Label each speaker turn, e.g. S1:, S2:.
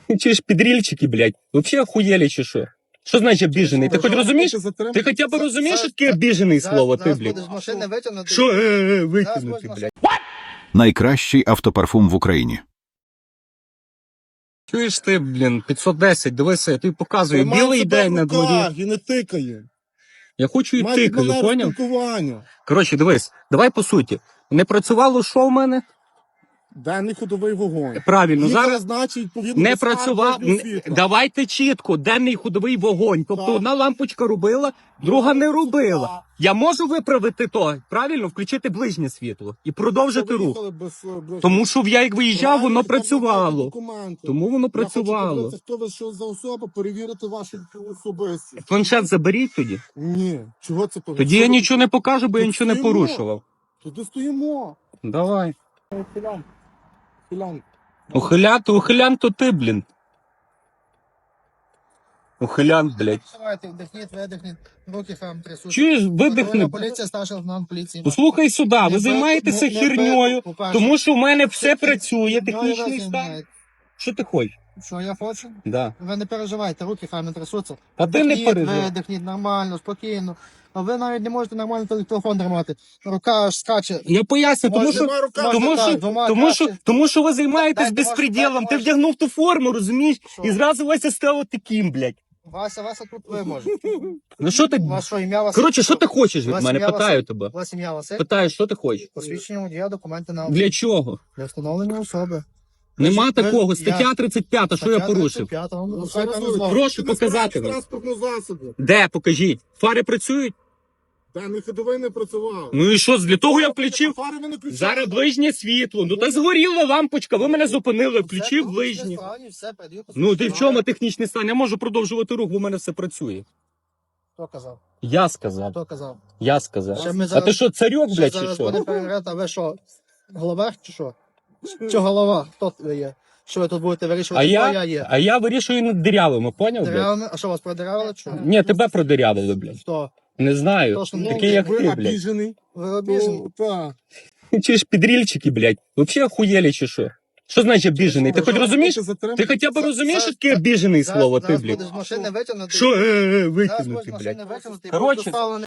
S1: Чи ж підрільчики, блядь? Вообще охуєлі чи що? Що значить обіжений? Ти хоч розумієш? Ти хоча б розумієш, що таке обіжений слово, ти,
S2: Зараз
S1: блядь?
S2: будеш з машини витягнути.
S1: Що витягнути, блядь?
S3: Найкращий автопарфум в Україні.
S1: Чуєш ти, блін, 510, дивися, я тобі показую, білий день на дворі.
S4: І не тикає.
S1: Я хочу і
S4: Майте
S1: тикаю,
S4: манеру
S1: поняв?
S4: спілкування.
S1: Коротше, дивись, давай по суті. Не працювало що в мене?
S4: Денний ходовий вогонь.
S1: Правильно,
S4: Їхала,
S1: зараз
S4: значить, відповідно,
S1: не
S4: до скарги
S1: працював.
S4: до світла.
S1: Давайте чітко, денний ходовий вогонь. Тобто
S4: Так.
S1: одна лампочка робила, друга не робила.
S4: Так.
S1: Я можу виправити то, правильно, включити ближнє світло і продовжити
S4: Ви
S1: рух.
S4: їхали без
S1: Тому що я як виїжджав, воно
S4: Правильно, там немає
S1: працювало.
S4: документів.
S1: Тому воно
S4: Я хочу
S1: працювало.
S4: подивитися, хто ви що за особа, перевірити вашу особистість.
S1: Планшет заберіть тоді.
S4: Ні, чого це
S1: Тоді я нічого не покажу, бо я
S4: Тут
S1: нічого не
S4: стоїмо.
S1: порушував.
S4: Туди стоїмо.
S1: Давай.
S4: Філян. Філян.
S1: Ухилян то ти, блін. Ухилян, блядь.
S2: Давайте, вдихніть, видихніть, руки хам трясуть.
S1: Чуєш, видихни.
S2: Поліція, старший лейтенант поліції.
S1: Послухай сюди, ви
S2: Не
S1: займаєтеся
S2: не
S1: херньою,
S2: по-перше,
S1: тому що в мене все працює,
S2: херньою
S1: технічний
S2: ви
S1: стан.
S2: займаєтесь.
S1: Що ти хочеш?
S2: Що я хочу?
S1: Да.
S2: Ви не переживайте, руки хай не трясуться.
S1: А ти не
S2: Вдихніть,
S1: переживай.
S2: видихніть, нормально, спокійно. А ви навіть не можете нормально телефон тримати. Рука аж скаче.
S1: Я поясню, тому що,
S4: Нема рука.
S1: тому,
S2: так,
S1: що,
S2: двома
S1: тому, що,
S2: краще.
S1: тому що ви займаєтесь
S2: Дайте
S1: безпреділом.
S2: ваш-
S1: Ти
S2: ваш-
S1: вдягнув ту форму, розумієш?
S2: Що?
S1: І зразу Вася став таким, блядь.
S2: Вася тут ви можете.
S1: Ну що ти?
S2: Ваше ім'я Василь.
S1: Коротше, що ти хочеш від
S2: Ваше
S1: мене?
S2: ім'я
S1: Питаю
S2: Василь.
S1: тебе.
S2: Ваше ім'я Василь.
S1: Питаю, що ти хочеш?
S2: Посвідчення водія, документи на
S1: Для чого?
S2: для встановлення особи.
S1: Нема
S2: Ви-
S1: такого.
S2: я-
S1: Стаття 35, що я порушив? Прошу показати вам.
S4: Транспортного засобу.
S1: Де? Покажіть. Фари працюють?
S4: Денний ходовий не працював.
S1: Ну і що, для того я включив?
S4: Фари ви не включали.
S1: Зараз ближнє світло. Ну та згоріла лампочка, ви мене зупинили, включив ближнє. Ну ти в чому технічний стан? Я можу продовжувати рух, бо в мене все працює.
S2: Хто казав?
S1: Я сказав.
S2: Хто казав?
S1: Я сказав.
S2: Ще ми
S1: А
S2: зараз-
S1: ти що, царьок, блядь, чи
S2: Зараз
S1: що?
S2: буде перевіряти, а ви що? Головах чи що? Чи голова? Хто ви є? Що ви тут будете
S1: А
S2: вирішувати, хто я є?
S1: я вирішую над дирявими, поняв, блядь?
S2: Деревами? А що вас продирали? Чи?
S1: Ні, тебе продирявили, блядь.
S2: Хто?
S1: Не знаю.
S2: Точно, ну,
S1: Такий, як
S4: Ви
S1: ти, блядь.
S4: обіжений.
S2: Ви обіжені?
S4: Так.
S1: Чи ж підрільчики, блядь? Вообще охуєлі чи що? Що значить обіжений? Ти хоч розумієш? Ти хоча б розумієш, що таке обіжений слово, ти,
S2: Зараз
S1: блядь?
S2: будеш з машини витягнути.
S1: Що
S2: Зараз будеш
S1: витягнути,
S2: з
S1: блядь?
S2: машини витягнути і
S1: Коротше,
S2: буде доставлений